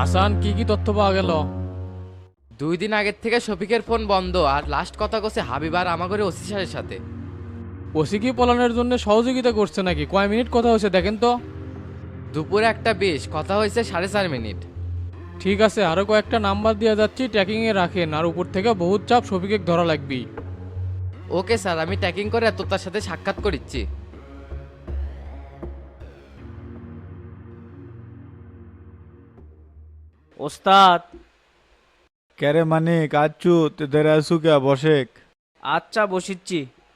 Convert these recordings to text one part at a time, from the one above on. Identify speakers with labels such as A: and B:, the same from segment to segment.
A: হাসান, কি কি তথ্য পাওয়া গেল?
B: 2 দিন আগের থেকে শফিকের ফোন বন্ধ, আর লাস্ট কথা কছে হাবিব আর আমাগরে ওসি সাহেবের সাথে।
A: ওসি কি পলানের জন্য সহযোগিতা করছে নাকি? কয় মিনিট কথা হয়েছে দেখেন তো।
B: দুপুরে 1টা 20 কথা হয়েছে 4.5 মিনিট।
A: ঠিক আছে, আরো কয়েকটা নাম্বার দিয়ে যাচ্ছি, ট্র্যাকিং এ রাখেন। আর উপর থেকে বহুত চাপ, শফিকে ধরা লাগবি।
B: ওকে স্যার, আমি ট্যাকিং করে তোর সাথে সাক্ষাৎ করিচ্ছি।
C: ওস্তাদ।
D: ক্যারে মানিক আচ্ছু তোদের আসু কে বসেক।
C: আচ্ছা বসিচ্ছি।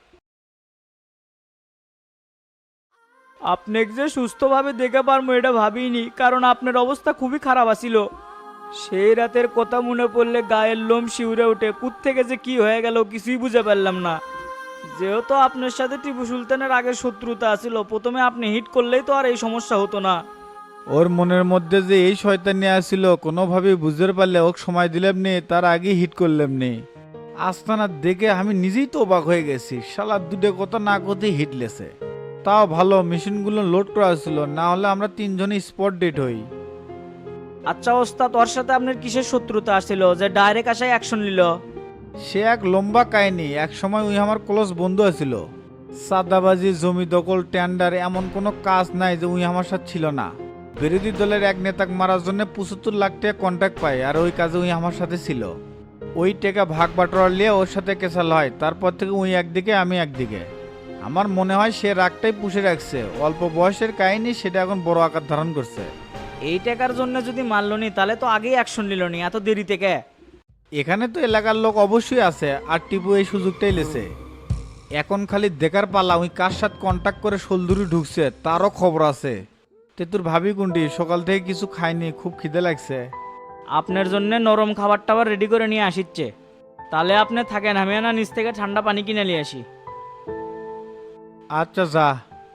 C: আপনাকে যে সুস্থভাবে দেখে পারবো এটা ভাবিনি, কারণ আপনার অবস্থা খুবই খারাপ আছিল। সেই রাতের কথা মনে পড়লে গায়ের লোম শিউরে ওঠে। থেকে যে কি হয়ে গেল কিছুই বুঝে পারলাম না। যেহেতু আপনার সাথে টিপু সুলতানের আগের শত্রুতা আছিল, প্রথমে আপনি হিট করলেই তো আর এই সমস্যা হতো না।
D: ওর মনের মধ্যে যে এই শয়তানি আসছিল কোনোভাবেই বুঝতে পারলে ওকে সময় দিলাম নি, তার আগেই হিট করলাম নি। আস্তানা দেখে আমি নিজেই তো অবাক হয়ে গেছি, শালা দুটো কথা না করতে হিট লেছে। তাও ভালো মেশিনগুলো লোড করা ছিল, না হলে আমরা তিনজনই স্পট ডেট হই।
C: আচ্ছা ওস্তাদ, ওর সাথে আপনার কিসের শত্রুতা আসছিল যে ডাইরেক্ট আসায় অ্যাকশন নিল?
D: সে এক লম্বা কাহিনী। এক সময় ওই আমার ক্লোজ বন্ধু আছিল। সাদাবাজি, জমি দখল, টেন্ডার, এমন কোনো কাজ নাই যে উই আমার সাথে ছিল না। বিরোধী দলের এক নেতাকে মারার জন্য 75 লাখ টাকা কন্ট্যাক্ট পাই, আর ওই কাজে উই আমার সাথে ছিল। ওই টাকা ভাগ বাটোয়ারা নিয়ে ওর সাথে কেসাল হয়। তারপর থেকে উই একদিকে আমি একদিকে। আমার মনে হয় সে রাগটাই পুষে রাখছে। অল্প বয়সের কাহিনী, সেটা এখন বড় আকার ধারণ করছে।
C: এই টাকার জন্য যদি মারলো নি তাহলে তো আগেই অ্যাকশন নিল নি, এত দেরি থেকে।
D: এখানে তো এলাকার লোক অবশ্যই আছে, আর টিপু এই সুযোগটাই লেছে। এখন খালি দেখার পালা ওই কার সাথে কন্ট্যাক্ট করে সোলদুরি ঢুকছে, তারও খবর আছে। তে তোর ভাবি কোনটি? সকাল থেকে কিছু খাইনি, খুব খিদে লাগছে।
C: আপনার জন্য নরম খাবার টাবার রেডি করে নিয়ে আসিচ্ছে। তাহলে আপনি থাকেন, আমি না নিচ থেকে ঠান্ডা পানি কিনে নিয়ে আসি।
D: আচ্ছা যা।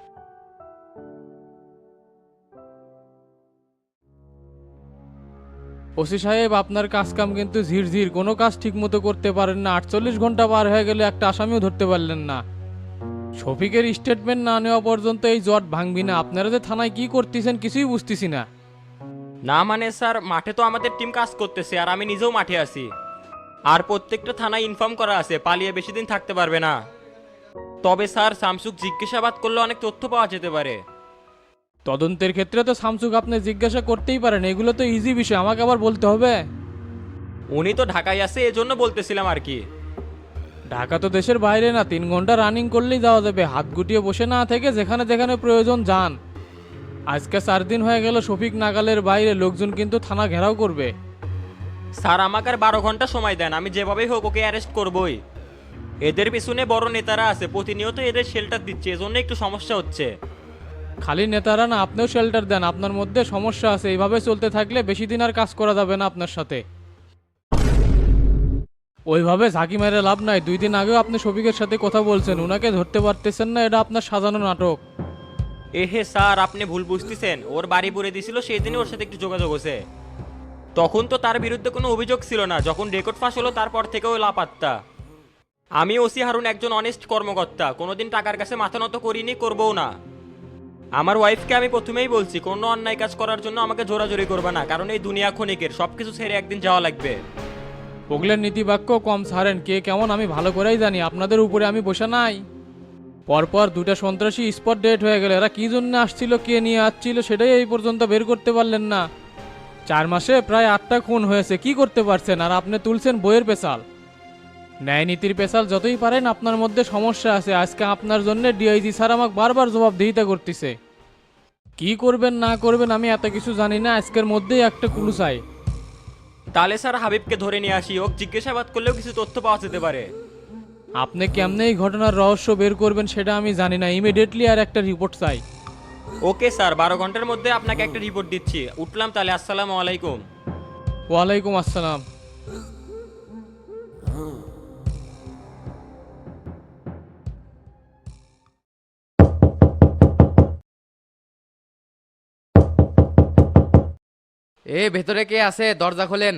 A: ওসি সাহেব, আপনার কাজ কাম কিন্তু ঝিরঝির, কোনো কাজ ঠিক মতো করতে পারেন না। 48 ঘন্টা পার হয়ে গেলে একটা আসামিও ধরতে পারলেন না। শফিকের স্টেটমেন্ট না নেওয়া পর্যন্ত এই জট ভাঙবি না। আপনারা যে থানায় কি করতেছেন কিছুই বুঝতেছি না।
E: না মানে স্যার, মাঠে তো আমাদের টিম কাজ করতেছে আর আমি নিজেও মাঠে আছি। আর প্রত্যেকটা থানায় ইনফর্ম করা আছে, পালিয়ে বেশি দিন থাকতে পারবে না। তবে স্যার, শামসুক জিজ্ঞাসাবাদ করলে অনেক তথ্য পাওয়া যেতে পারে।
A: তদন্তের ক্ষেত্রে তো শামসুক আপনি জিজ্ঞাসা করতেই পারেন, এগুলো তো ইজি বিষয়, আমাকে আবার বলতে হবে?
E: উনি তো ঢাকায় আছে, এজন্য বলতেছিলাম আর কি।
A: ঢাকা তো দেশের বাইরে না, 3 ঘন্টা রানিং করলেই যাওয়া যাবে। হাত গুটিয়ে বসে না থেকে যেখানে যেখানে প্রয়োজন যান। আজকে 4 দিন হয়ে গেল শফিক নাগালের বাইরে, লোকজন কিন্তু থানা ঘেরাও করবে।
E: স্যার, আমাকে আর 12 ঘন্টা সময় দেন, আমি যেভাবেই হোক ওকে অ্যারেস্ট করবই। এদের পিছনে বড় নেতারা আছে, প্রতিনিয়ত এদের শেল্টার দিচ্ছে, এজন্য একটু সমস্যা হচ্ছে।
A: খালি নেতারা না, আপনিও শেল্টার দেন। আপনার মধ্যে সমস্যা আছে, এইভাবে চলতে থাকলে বেশি দিন আর কাজ করা যাবে না আপনার সাথে। ওইভাবে ঝাঁকি মেরে লাভ নাই। 2 দিন আগেও আপনি শফিকের সাথে কথা বলছেন, উনাকে ধরতে পারতেছেন না, এটা আপনার সাজানো নাটক।
E: এহে স্যার, আপনি ভুল বুঝতেছেন। ওর বাড়ি পুড়ে দিছিল, সেই দিনই ওর সাথে একটু যোগাযোগ হয়েছে। তখন তো তার বিরুদ্ধে কোনো অভিযোগ ছিল না, যখন রেকর্ড ফাঁস হলো তারপর থেকে ওই লাপাত্তা। আমি ওসি হারুন একজন অনেস্ট কর্মকর্তা, কোনোদিন টাকার কাছে মাথা নত করিনি, করবও না। আমার ওয়াইফকে আমি প্রথমেই বলছি, কোনো অন্যায় কাজ করার জন্য আমাকে জোরাজোরি করবে না, কারণ এই দুনিয়া ক্ষণিকের, সবকিছু ছেড়ে একদিন যাওয়া লাগবে।
A: ওগুলোর নীতিবাক্য কম ছাড়েন, কে কেমন আমি ভালো করেই জানি। আপনাদের উপরে আমি বসে নাই। পরপর 2টা সন্ত্রাসী স্পট ডেট হয়ে গেল। এরা কি জন্য আসছিল, কে নিয়ে আসছিল, সেটাই এই পর্যন্ত বের করতে পারলেন না। 4 মাসে প্রায় 8টা খুন হয়েছে, কি করতে পারছেন? আর আপনি তুলছেন বইয়ের পেশাল। ন্যায় নীতির পেশাল যতই পারেন, আপনার মধ্যে সমস্যা আছে। আজকে আপনার জন্য ডিআইজি স্যার আমাকে বারবার জবাবদিহিতা করতেছে। কি করবেন না করবেন আমি এত কিছু জানি না, আজকের মধ্যেই একটা ক্লু চাই।
E: তাহলে স্যার, হাবিবকে ধরে নিয়ে আসি, ওক জিজ্ঞাসাবাদ করলেও কিছু তথ্য পাওয়া যেতে পারে।
A: আপনি কেমনে এই ঘটনার রহস্য বের করবেন সেটা আমি জানি না। ইমিডিয়েটলি আর একটা রিপোর্ট চাই।
E: ওকে স্যার, 12 ঘন্টার মধ্যে আপনাকে একটা রিপোর্ট দিচ্ছি। উঠলাম তাহলে, আসসালামু আলাইকুম।
A: ওয়ালাইকুম আসসালাম।
B: ভেতরে কে আছে? দরজা খোলেন।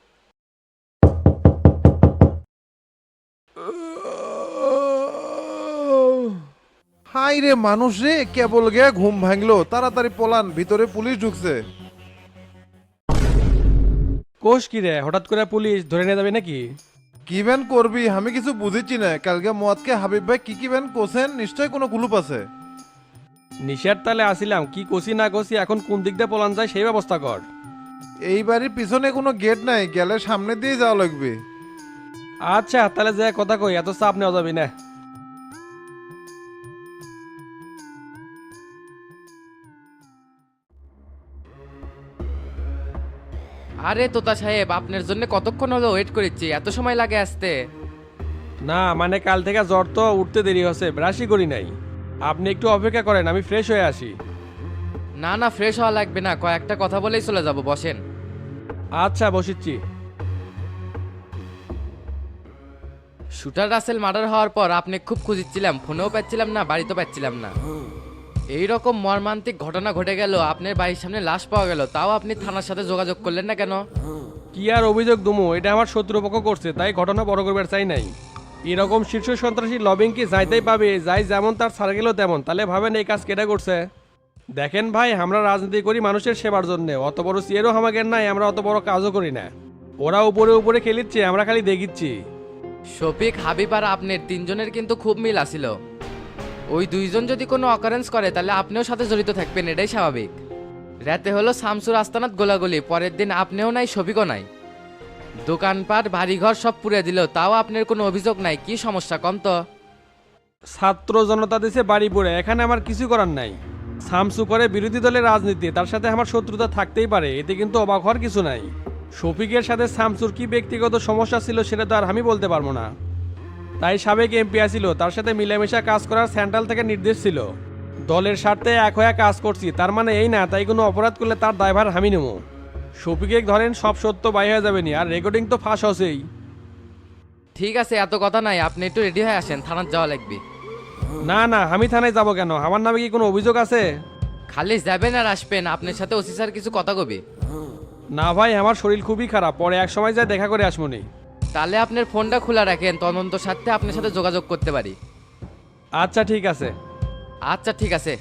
F: হাই রে মানুষ রে, কেবল গে ঘুম ভাঙলো, তাড়াতাড়ি পলান, ভিতরে পুলিশ ঢুকছে।
G: কোষ কি রে, হঠাৎ করে পুলিশ ধরে নিয়ে যাবে নাকি?
F: কি ব্যান করবি আমি কিছু বুঝেছি না। কালকে মদকে হাবিব ভাই কি ব্যান কোসেন, নিশ্চয় কোনো গ্রুপ আছে।
G: নিশার তালে আসিলাম, কি কষি না কষি এখন কোন দিক দিয়ে পলান যায় সেই ব্যবস্থা কর।
F: এই বাড়ির পিছনে কোনো গেট নাই, গেলে সামনে দিয়ে যাওয়া লাগবে।
G: আচ্ছা তাহলে যে কথা কই, এত চাপ নেওয়া যাবি না।
B: আরে তোতা সাহেব, আপনার জন্য কতক্ষণ হলো ওয়েট করেছি, এত সময় লাগে আসতে?
G: না মানে কাল থেকে জ্বর তো, উঠতে দেরি হচ্ছে, ব্রাশই করি নাই। আপনি একটু অপেক্ষা করেন, আমি ফ্রেশ হয়ে আসি।
B: না না, ফ্রেশ হওয়া লাগবে না, কয়েকটা কথা বলেই চলে যাব, বসেন।
G: আচ্ছা বসিচ্ছি।
B: শুটার রাসেল মার্ডার হওয়ার পর আপনি খুব খুঁজছিলাম, ফোনেও পাচ্ছিলাম না, বাড়িতেও পাচ্ছিলাম না। এই রকম মর্মান্তিক ঘটনা ঘটে গেল, আপনার বাড়ির সামনে লাশ পাওয়া গেল, তাও আপনি থানার সাথে যোগাযোগ করলেন না কেন?
G: কি আর অভিযোগ দুমু, এটা আমার শত্রুপক্ষ করছে, তাই ঘটনা বড় করবার চাই নাই। এরকম শীর্ষ সন্ত্রাসী লবিং কি যাইতেই পাবে, যাই যেমন তার ছাড়া গেল তেমন, তাহলে ভাবেন এই কাজ কেটে করছে। দেখেন ভাই, আমরা রাজনীতি করি মানুষের সেবার জন্য, অত বড় সিয়ারও আমাদের নাই, আমরা অত বড় কাজও করি না। ওরা উপরে উপরে খেলিচ্ছে, আমরা খালি দেখিচ্ছি।
B: শফিক, হাবিব আর আপনার তিনজনের কিন্তু খুব মিল আছিল। ওই দুইজন যদি কোনো অকারেন্স করে তাহলে আপনিও সাথে জড়িত থাকবেন, এটাই স্বাভাবিক। রাতে হলো শামসুর আস্তানাত গোলাগুলি, পরের দিন আপনিও নাই, শফিকও নাই। দোকানপাট বাড়িঘর সব পুড়ে দিল, তাও আপনার কোনো অভিযোগ নাই, কি সমস্যা কম তো?
G: ছাত্র জনতা দেশে বাড়ি পড়ে, এখানে আমার কিছু করার নাই। সামসু করে বিরোধী দলের রাজনীতি, তার সাথে আমার শত্রুতা থাকতেই পারে, এতে কিন্তু অবাক হওয়ার কিছু নাই। শফিকের সাথে শামসুর কি ব্যক্তিগত সমস্যা ছিল সেটা তো আর আমি বলতে পারবো না। তাই সাবেক এমপি ছিল, তার সাথে মিলেমিশা কাজ করার সেন্ট্রাল থেকে নির্দেশ ছিল। দলের স্বার্থে এক হয়ে কাজ করছি, তার মানে এই না তাই কোনো অপরাধ করলে তার দায়ভার আমি নেব। শফিকে ধরেন সব সত্য বাই হয়ে যাবে নি, আর রেকর্ডিং তো ফাঁস হছেই।
B: ঠিক আছে, এত কথা নাই, আপনি একটু রেডি হয়ে আসেন, থানার যাওয়া লাগবে।
G: না না, আমি থানায় যাব কেন? আমার নামে কি কোনো অভিযোগ আছে?
B: খালি যাবেন আর আসবেন, আপনার সাথে ওসি স্যার কিছু কথা কবি।
G: না ভাই, আমার শরীর খুবই খারাপ, পরে এক সময় যায় দেখা করে আসমনি।
B: তাহলে আপনার ফোনটা খোলা রাখেন, তদন্ত স্বার্থে আপনার সাথে যোগাযোগ করতে পারি।
G: আচ্ছা ঠিক আছে।
B: আচ্ছা ঠিক আছে।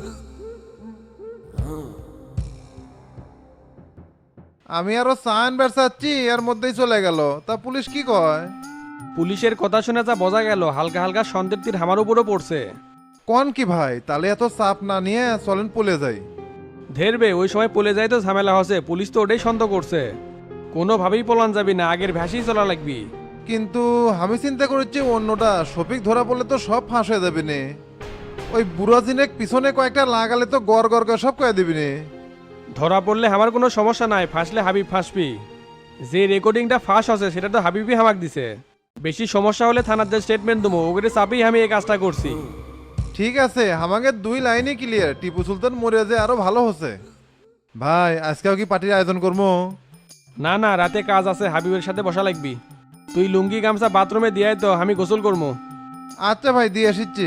F: আমি আরো সাইন বেরসাচ্ছি, এর মধ্যেই চলে গেল। তা পুলিশ কি কয়?
G: পুলিশের কথা শুনে যা বোঝা গেল, হালকা হালকা সন্দেহ তীর আমার উপরও পড়ছে।
F: কোন কি ভাই, তাহলে এত চাপ না নিয়ে চলেন পলে যাই।
G: ধেরবে, ওই সময় পলে যায় তো ঝামেলা হচ্ছে, পুলিশ তো ওটাই সন্দেহ করছে। কোনোভাবেই পলান যাবি না, আগের ভ্যাসেই চলা লাগবি।
F: কিন্তু আমি চিন্তা করেছি অন্যটা, শফিক ধরা পড়লে তো সব ফাঁস হয়ে যাবে নে। ওই বুড়া জিনেক পিছনে কয়েকটা লাগালে তো গড় গড় করে সব কয়ে দিবি নে।
G: ধরা পড়লে আমার কোনো সমস্যা নাই, ফাঁসলে হাবিব ফাঁসবি। যে রেকর্ডিংটা ফাঁস আছে সেটা তো হাবিবই হামাক দিছে। বেশি সমস্যা হলে থানার যে স্টেটমেন্ট দেবো, ওগুলো চাপেই আমি এই কাজটা করছি।
F: ঠিক আছে, আমাকে দুই লাইনই ক্লিয়ার। টিপু সুলতান মরে যে আরো ভালো হচ্ছে। ভাই আজকেও কি পার্টির আয়োজন করবো?
G: না না, রাতে কাজ আছে, হাবিবের সাথে বসা লাগবি। তুই লুঙ্গি গামছা বাথরুমে দিয়াই তো, আমি গোসল করবো।
F: আচ্ছা ভাই, দিয়ে আসিচ্ছি।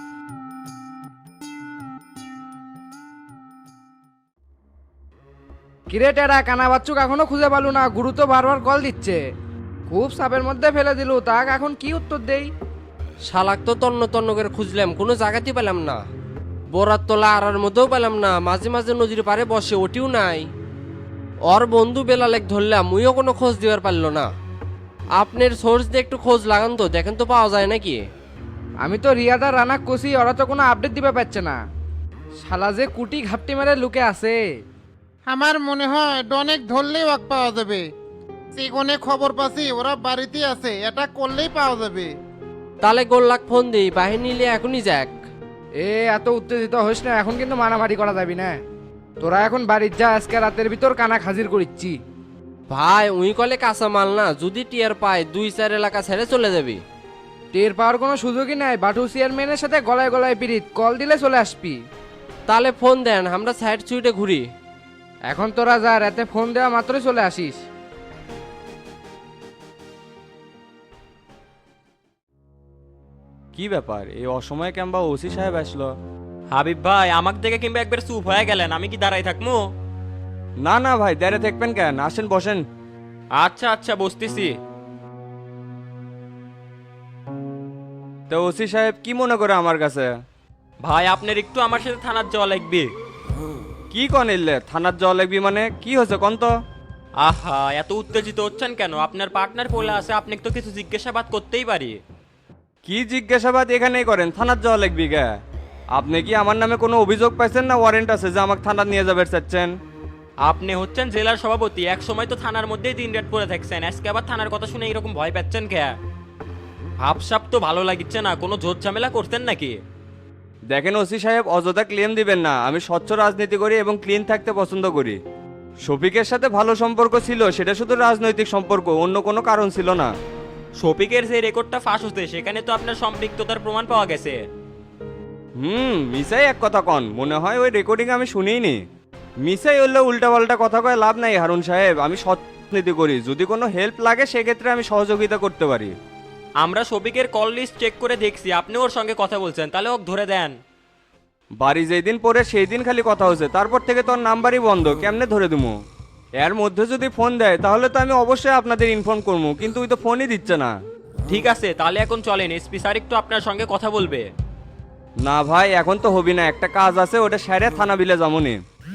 H: কিরে টেরা, কানা বাচ্চুক এখনো খুঁজে পালু না? গুরু তো বারবার কল দিচ্ছে, খুব চাপের মধ্যে ফেলে দিলু, তাক এখন কি উত্তর দেই?
I: শালাক তো তন্ন তন্ন করে খুঁজলাম, কোনো জায়গাতেই পেলাম না। বরাত তোলা আড়ার মধ্যেও পেলাম না, মাঝে মাঝে নদীর পারে বসে, ওটিও নাই। ওর বন্ধু বেলালেক ধরলাম, মুইও কোনো খোঁজ দিবার পারল না। আপনার সোর্স দিয়ে একটু খোঁজ লাগান তো, দেখেন তো পাওয়া যায় নাকি।
H: আমি তো রিয়াদা রানা কষি, ওরা তো কোনো আপডেট দিতে পারছে না। শালা যে কুটি ঘাপটি মেরে লুকে আছে।
J: আমার মনে হয় ডনেক ধরলেই ওয়াক পাওয়া যাবে। সেখানে খবর পাচ্ছি ওরা বাড়িতে আছে, এটা করলেই পাওয়া যাবে।
I: তাহলে গোল্লাক ফোন দিই, বাহিনী নিলে এখনই যাক।
H: এ এত উত্তেজিত হইস না, এখন কিন্তু মারামারি করা যাবি না। তোরা এখন বাড়ির যা, আজকে রাতের ভিতর কানা হাজির করিচ্ছি।
I: ভাই উই কলে কাঁচা মাল না, যদি টিয়ার পায় 2-4 এলাকা ছেড়ে চলে যাবি।
H: টের পাওয়ার কোনো সুযোগই নাই, বাটু চেয়ারম্যানের সাথে গলায় গলায় পিরিত, কল দিলে চলে আসবি।
I: তাহলে ফোন দেন, আমরা সাইড সুইটে ঘুরি।
H: এখন তোরা যা, রাতে ফোন দেওয়া মাত্রই চলে আসিস।
K: কি ব্যাপার, এই অসময়ে কেমবা ওসি সাহেব আসলো?
E: হাবিব ভাই, আমাকে দেখে কিংবা একবার চুপ হয়ে গেলেন, আমি কি দাঁড়াই থাকবো?
K: না না ভাই, দাঁড়িয়ে থাকবেন কেন, আসেন বসেন।
E: আচ্ছা আচ্ছা, বসতেছি।
K: তো ওসি সাহেব কি মনে করে আমার কাছে?
E: ভাই আপনার একটু আমার সাথে থানার যাওয়া লাগবে।
K: কি কন এলে থানার যাওয়া লাগবি মানে, কি হয়েছে কন তো?
E: আহা, এত উত্তেজিত হচ্ছেন কেন? আপনার পার্টনার বলে আছে, আপনি তো কিছু জিজ্ঞাসাবাদ করতেই পারি।
K: কি জিজ্ঞাসাবাদ এখানেই করেন, থানার যাওয়া লাগবি গা। আপনি কি আমার নামে কোনো অভিযোগ পাইছেন না ওয়ারেন্ট আছে যে আমাকে থানা নিয়ে যাবে চাচ্ছেন?
E: আপনি হচ্ছেন জেলার সভাপতি, এক সময় তো থানার মধ্যেই দিন রাত পড়ে থাকছেন, আজকে আবার থানার কথা শুনে এরকম ভয় পাচ্ছেন কে? ভাবসাব তো ভালো লাগিচ্ছে না, কোনো জোর ঝামেলা করতেন নাকি?
K: দেখেন ওসি সাহেব, অযথা ক্লেম দিবেন না। আমি স্বচ্ছ রাজনীতি করি এবং ক্লিন থাকতে পছন্দ করি। শফিকের সাথে ভালো সম্পর্ক ছিল, সেটা শুধু রাজনৈতিক সম্পর্ক, অন্য কোনো কারণ ছিল না।
E: শফিকের যে রেকর্ডটা ফাঁস হচ্ছে সেখানে তো আপনার সম্পৃক্ততার প্রমাণ পাওয়া গেছে।
K: মিসাই এক কথা কন, মনে হয় ওই রেকর্ডিং আমি শুনিনি। মিসাই হলে উল্টাপাল্টা কথা কয়ে লাভ নাই হারুন সাহেব, আমি সৎ রাজনীতি করি। যদি কোনো হেল্প লাগে সেক্ষেত্রে আমি সহযোগিতা করতে পারি।
E: আমরা শফিকের কল লিস্ট চেক করে দেখছি, আপনি ওর সঙ্গে কথা বলছেন, তাহলে ওকে ধরে দেন।
K: বাড়ি যেই দিন পরে সেই দিন খালি কথা হচ্ছে, তারপর থেকে তোর নাম্বারই বন্ধ, কেমনে ধরে দেবো? এর মধ্যে যদি ফোন দেয় তাহলে তো আমি অবশ্যই আপনাদের ইনফর্ম করবো, কিন্তু ওই তো ফোনই দিচ্ছে না।
E: ঠিক আছে, তাহলে এখন চলেন, এসপি স্যার একটু আপনার সঙ্গে কথা বলবে।
K: না ভাই, এখন তো হবি না, একটা কাজ আছে, ওটা সেরে থানা বিলে যাবনি।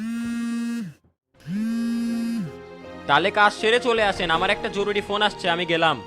E: তাহলে কাজ সেরে চলে আসেন, আমার একটা জরুরি ফোন আসছে, আমি গেলাম।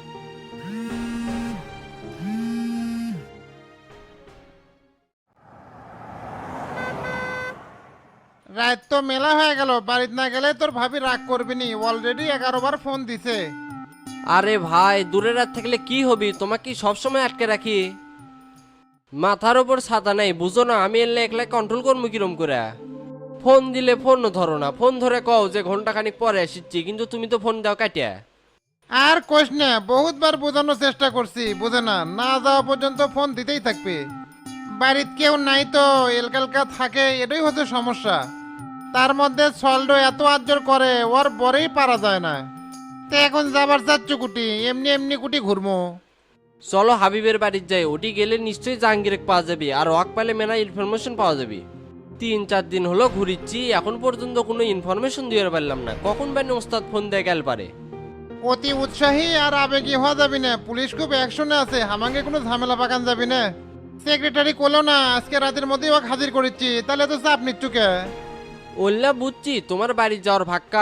J: রাত তো মেলা হয়ে গেল, বাড়িতে না গেলে তোর ভাবি রাগ করবি নি, অলরেডি 11 বার ফোন দিছে।
I: আরে ভাই, দূরে রাত থাকলে কি হবি? তোমাকে কি সবসময় আটকে রাখি? মাথার ওপর ছাতা নেই, বুঝো না? আমি এলে একলা কন্ট্রোল করবো কিরম করে? ফোন দিলে ফোন ধরো না, ফোন ধরে কও যে ঘন্টাখানিক পরে আসছি, কিন্তু তুমি তো ফোন দাও কাটিয়া।
J: আর কোশ না, বহুতবার বোঝানোর চেষ্টা করছি, বুঝে না, না যাওয়া পর্যন্ত ফোন দিতেই থাকবে। বাড়িতে কেউ নাই তো, এলকালকা থাকে, এটাই হচ্ছে সমস্যা। তার মধ্যে সল্ডো এত আজ্জর করে, ওর বরেই পারা যায় না। তো এখন যাবার যাচ্ছ কুটি, এমনি এমনি কুটি ঘুরমো।
I: চলো হাবিবের বাড়ির যাই, ওটি গেলে নিশ্চয়ই জাহাঙ্গীরেক পাওয়া যাবে, আর ওয়াক পাইলে মেনা ইনফরমেশন পাওয়া যাবে। 3-4 দিন হলো ঘুরিচ্ছি, এখন পর্যন্ত কোনো ইনফরমেশন দিয়ে পারলাম না। কখন বানি ওস্তাদ ফোন দিয়ে গেল পারে?
J: অতি উৎসাহী আর আবেগী হওয়া যাবি না, পুলিশ খুব অ্যাকশনে আছে, আমাকে কোনো ঝামেলা পাকান যাবি না। সেক্রেটারি করলো না, আজকে রাতের মধ্যেই ওকে হাজির করেছি, তাহলে তো চাপ নিচ্ছুকে।
I: ওল্লা বুঝছি, তোমার বাড়ি যাওয়ার ভাক্কা।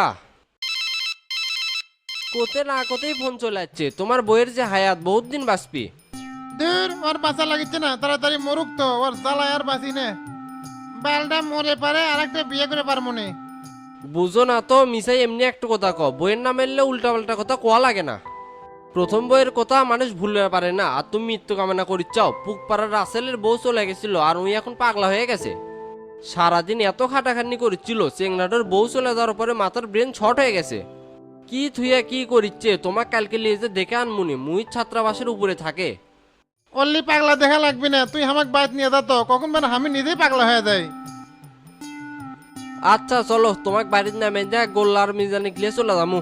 I: কোতে না কোতেই ফোন চলে যাচ্ছে। তোমার বইয়ের যে হায়াত, বহুত দিন বাঁচবি।
J: দূর, ওর বাঁচা লাগিচ্ছে না, তাড়াতাড়ি মরুক তো, ওর জ্বালায় আর বাঁচি না। বালটা মরে পারে, আর একটা বিয়ে করে পার মনে।
I: বুঝো না তো, মিসাই এমনি একটা কথা ক, বইয়ের নাম এলে উল্টা পাল্টা কথা কোয়া লাগে না। প্রথম বইয়ের কথা মানুষ ভুলতে পারে না, আর তুমি মৃত্যু কামনা করিচ্ছাও। পুকপাড়ার রাসেলের বউ চলে গেছিল, আর উনি এখন পাগলা হয়ে গেছে। সারাদিন এত খাটাখাটনি করেছিল, চেংনাটোর বউ চলে যাওয়ার পরে মাথার ব্রেন ছট হয়ে গেছে। কি থুইয়া কি করিচ্ছে, তোমার কালকে লিয়ে যে দেখে আনমুনি, মুই ছাত্রাবাসের উপরে থাকে।
J: অল্লি পাগলা দেখা লাগবি না, তুই আমাকে বাইত নিয়ে যা তো, কখন মানে আমি নিজেই পাগলা হয়ে যাই।
I: আচ্ছা চলো, তোমাকে বাড়ির নামে যা গোল্লার মিজানি গিয়ে চলে যামু।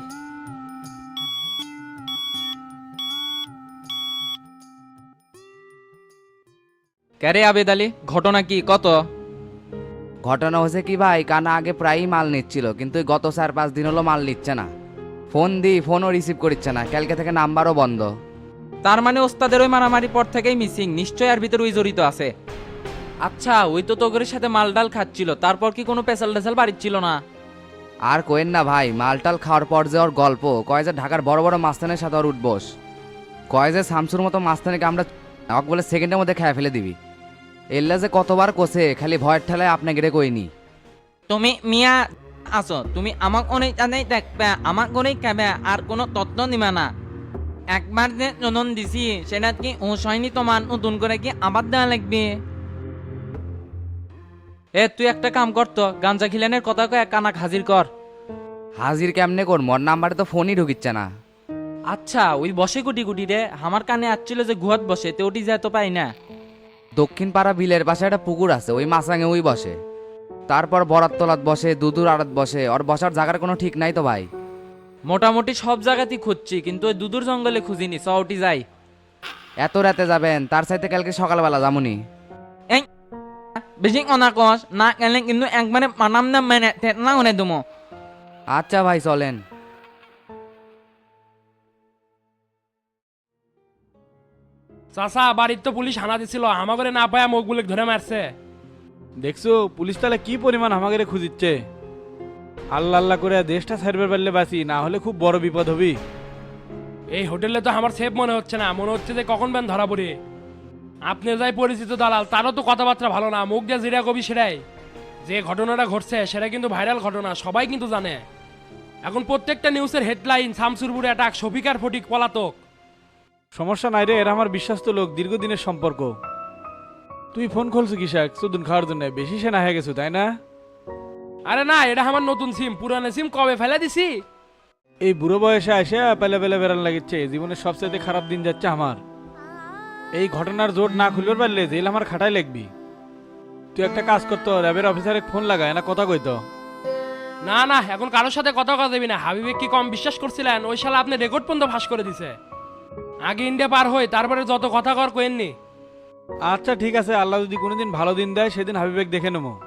L: ক্যারে আবেদ আলী, ঘটনা কি কত?
M: ঘটনা হচ্ছে কি ভাই, কানা আগে প্রায়ই মাল নিচ্ছিল, কিন্তু এই গত 4-5 দিন হলো মাল নিচ্ছে না। ফোন দিই, ফোনও রিসিভ করছে না, কালকে থেকে নাম্বারও বন্ধ।
L: তার মানে ওস্তাদের ওই মারামারি পর থেকেই মিসিং, নিশ্চয় আর ভিতরে ওই জড়িত আছে। আচ্ছা, ওই তো তোগরের সাথে মাল ডাল খাচ্ছিল, তারপর কি কোনো পেশাল টেসাল বাড়ির ছিল না?
M: আর কোয়েন না ভাই, মালটাল খাওয়ার পর যে ওর গল্প কয় যে ঢাকার বড় বড় মাস্তানের সাথে ওর উঠবস, কয় যে শামসুর মতো মাস্তানিকে আমরা ওকে বলে সেকেন্ডের মধ্যে খেয়ে ফেলে দিবি। এল্লা যে কতবার কোসে, খালি ভয়ের ঠেলায় আপনি গেড়ে কইনি।
L: তুমি মিয়া আছো, তুমি আমাক অনেক জানাই দেখবে, আমাক অনেক খাবে, আর কোনো তত্ত্ব নিবে না। একবার যে জনন দিছি, সেটা কি হুঁশ হয়নি তোমার? নতুন করে কি আবার দেওয়া লাগবে? তুই একটা কাম করতো, গাঞ্জা খিলানের কথা কয়ে কানাক হাজির কর।
M: হাজির কেমনে কর, মোর নাম্বারে তো ফোনই ঢুকিচ্ছে না।
L: আচ্ছা, ওই বসে গুটি গুটি রে, আমার কানে আসছিল যে গুহাত বসে, তো ওটি যায় তো পাই না।
M: দক্ষিণ পাড়া বিলের পাশে একটা পুকুর আছে, ওই মাছাঙে ওই বসে। তারপর বরাত তলাত বসে, দুদুর আড়ত বসে, ওর বসার জায়গার কোনো ঠিক নাই তো ভাই।
L: মোটামুটি সব জায়গাতেই খুঁজছি, কিন্তু ওই দুদুর জঙ্গলে খুঁজিনি, সউটি যাই।
M: এত রাতে যাবেন, তার সাথে কালকে সকালবেলা যামুনি।
L: এই বেশি অনাকস না গেলে কিন্তু একবারে মানাম না মেনে না উনে দুমো।
M: আচ্ছা ভাই চলেন।
G: চাচা, বাড়ির তো পুলিশ হানা দিছিল, আমাকে না পায় মুখগুলো ধরে মারছে।
C: দেখছো পুলিশ তাহলে কি পরিমাণ আমাকে খুঁজিচ্ছে।
D: আল্লাহ আল্লাহ করে দেশটা ছাড়বে পারলে বাঁচি, না হলে খুব বড় বিপদ হবি।
G: এই হোটেলে তো আমার সেফ মনে হচ্ছে না, মনে হচ্ছে যে কখন ব্যান ধরা পড়ে। আপনি যাই পরিচিত দালাল, তারও তো কথাবার্তা ভালো না, মুখ দিয়ে জিরা কবি সেটাই। যে ঘটনাটা ঘটছে সেটা কিন্তু ভাইরাল ঘটনা, সবাই কিন্তু জানে। এখন প্রত্যেকটা নিউজের হেডলাইন শামসুরপুরে অ্যাটাক, শফিকার ফটিক পলাতক।
D: সমস্যা নাই রে, এরা আমার বিশ্বস্ত লোক, দীর্ঘদিনের সম্পর্ক। তুই ফোন খুলছো কিসাক চুদুন খাওয়ার জন্য? বেশি সেনা হয়ে গেছো তাই না?
G: আরে না, এটা আমার নতুন সিম, পুরানো সিম কবে ফেলে দিছি।
D: এই বুড়ো বয়সে এসে পেলে পেলে বেড়ান লাগিচ্ছে, জীবনের সবচেয়ে খারাপ দিন যাচ্ছে আমার। এই ঘটনার জোট না খুলবার পারলে জেল আমার খাটাই লাগবি। তুই একটা কাজ করতো, র্যাবের অফিসারে ফোন লাগায় না কথা কইতো।
G: না না, এখন কারোর সাথে কথা কথা দেবি না। হাবিবে কি কম বিশ্বাস করছিলেন? ওই শালা আপনি রেকর্ড পর্যন্ত ফাঁস করে দিছে। আগে ইন্ডিয়া পার হই, তারপরে যত কথা কর কোয়েননি।
D: আচ্ছা ঠিক আছে, আল্লাহ যদি কোনোদিন ভালো দিন দেয় সেদিন হাবিবেক দেখে নেবো।